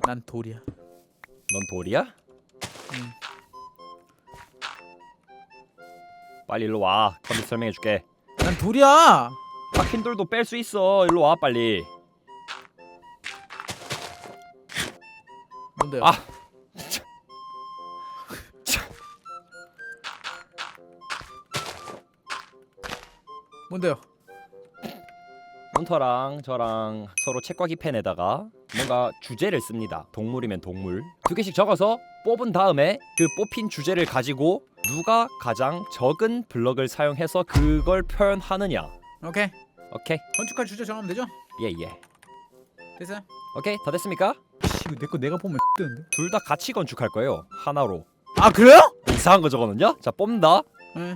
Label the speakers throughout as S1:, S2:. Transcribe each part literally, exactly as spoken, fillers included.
S1: 난 돌이야.
S2: 넌 돌이야?
S1: 응.
S2: 빨리 일로 와. 컴퓨터 설명해줄게.
S1: 난 돌이야.
S2: 박힌 돌도 뺄 수 있어. 일로 와 빨리.
S1: 뭔데요?
S2: 아.
S1: 뭔데요?
S2: 문터랑 저랑 서로 책과기 펜에다가 뭔가 주제를 씁니다. 동물이면 동물 두 개씩 적어서 뽑은 다음에 그 뽑힌 주제를 가지고 누가 가장 적은 블럭을 사용해서 그걸 표현하느냐.
S1: 오케이.
S2: 오케이.
S1: 건축할 주제 정하면 되죠?
S2: 예예.
S1: 됐어요?
S2: 오케이 다 됐습니까?
S1: 씨, 이거 내 거 내가 보면 뜨는데.
S2: 둘 다 같이 건축할 거예요. 하나로.
S1: 아 그래요?
S2: 이상한 거 적었는요? 자 뽑는다.
S1: 네.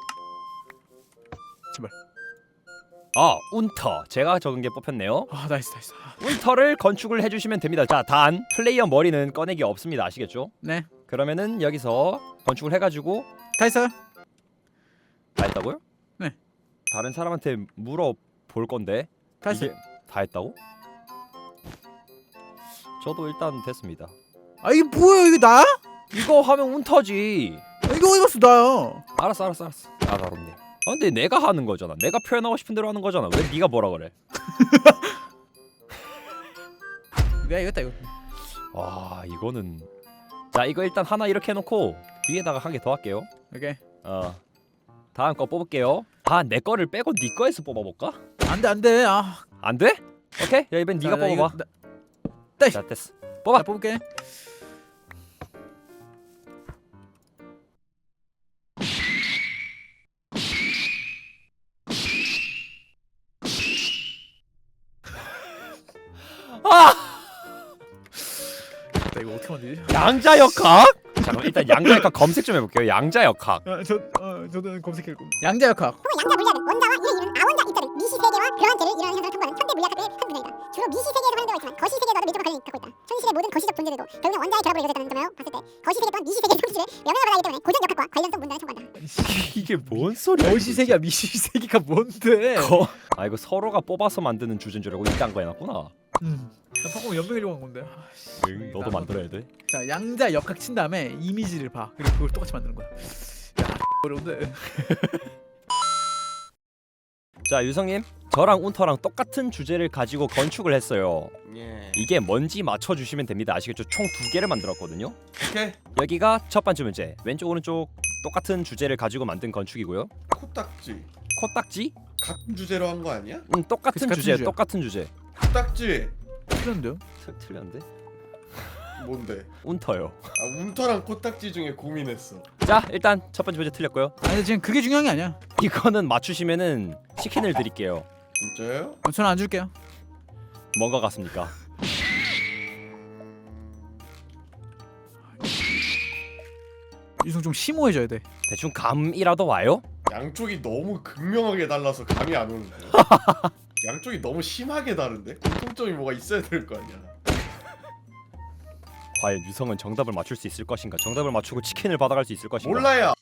S1: 제발.
S2: 아 운터 제가 적은 게 뽑혔네요.
S1: 아 나이스 나이스.
S2: 운터를 건축을 해주시면 됩니다. 자 단 플레이어 머리는 꺼내기 없습니다. 아시겠죠?
S1: 네.
S2: 그러면은 여기서 건축을 해가지고
S1: 다 했어요?
S2: 다 했다고요?
S1: 네.
S2: 다른 사람한테 물어볼 건데
S1: 다 했어요.
S2: 이게 다 했다고? 저도 일단 됐습니다.
S1: 아 이게 뭐야 이게 나야?
S2: 이거 하면 운터지.
S1: 아, 이거 어디 갔어 나야?
S2: 알았어 알았어 알았어. 까다롭네. 아 근데 내가 하는 거잖아. 내가 표현하고 싶은 대로 하는 거잖아. 왜 네가 뭐라 그래?
S1: 내가 이겼다 이거.
S2: 아 이거는 자 이거 일단 하나 이렇게 해놓고 뒤에다가 한 개 더 할게요.
S1: 오케이.
S2: 어 다음 거 뽑을게요. 아 내 거를 빼고 네 거에서 뽑아볼까?
S1: 안돼 안돼. 아.
S2: 안 돼? 오케이 야 이번 네가
S1: 자, 나 이거-
S2: 뽑아봐.
S1: 나-
S2: 자 됐어. 뽑아.
S1: 자 뽑을게.
S2: 아
S1: 나 이거 어떻게 만들지?
S2: 양자역학? 잠깐 일단 양자역학 검색 좀 해볼게요. 양자역학.
S1: 아, 저 어, 저도 검색해. 양자역학.
S3: 양자 물리학은 원자와 이를 이루는 아원자 입자들 미시 세계와 교환체를 이러한 현상을 통과하는 현대 물리학의 한 분야이다. 주로 미시 세계에서 활용되고 있지만 거시 세계와도 밀접한 관련이 갖고 있다. 현실의 모든 거시적 존재들도 결국은 원자의 결합으로 이루어졌다는 점을 봤을 때 거시 세계 또한 미시 세계의 성질을 영향을 받아야 하기 때문에 고전 역학과 관련성 문단을 청구한다.
S2: 이게 뭔 소리야?
S1: 거시 세계와 미시 세계가 뭔데?
S2: 거... 아 이거 서로가 뽑아서 만드는 주제인 줄 알고 이딴 거 해놨구나.
S1: 음. 나 방금 연병이려고 한 건데. 아, 씨.
S2: 응, 너도
S1: 나-
S2: 만들어야 돼.
S1: 자 양자 역학 친 다음에 이미지를 봐. 그리고 그걸 똑같이 만드는 거야. 야 어려운데.
S2: 자 유성님 저랑 운터랑 똑같은 주제를 가지고 건축을 했어요.
S4: 예.
S2: 이게 뭔지 맞춰주시면 됩니다. 아시겠죠? 총 두 개를 만들었거든요.
S4: 오케이.
S2: 여기가 첫 번째 문제. 왼쪽 오른쪽 똑같은 주제를 가지고 만든 건축이고요.
S4: 코딱지.
S2: 코딱지?
S4: 같은 주제로 한 거 아니야?
S2: 음 똑같은
S1: 그치, 같은
S2: 주제
S1: 주제야.
S2: 똑같은 주제.
S4: 코딱지.
S1: 틀렸는데요?
S2: 틀, 틀렸는데?
S4: 뭔데?
S2: 운터요.
S4: 아 운터랑 코딱지 중에 고민했어.
S2: 자 일단 첫 번째 문제 틀렸고요.
S1: 아니 근데 지금 그게 중요한 게 아니야.
S2: 이거는 맞추시면은 치킨을 드릴게요.
S4: 진짜요?
S1: 어, 저는 안 줄게요.
S2: 뭔가 같습니까?
S1: 유성 좀 심오해져야 돼.
S2: 대충 감이라도 와요?
S4: 양쪽이 너무 극명하게 달라서 감이 안 오는데. 양쪽이 너무 심하게 다른데? 공통점이 뭐가 있어야 될 거 아니야.
S2: 과연 유성은 정답을 맞출 수 있을 것인가? 정답을 맞추고 치킨을 받아갈 수 있을 것인가?
S4: 몰라야.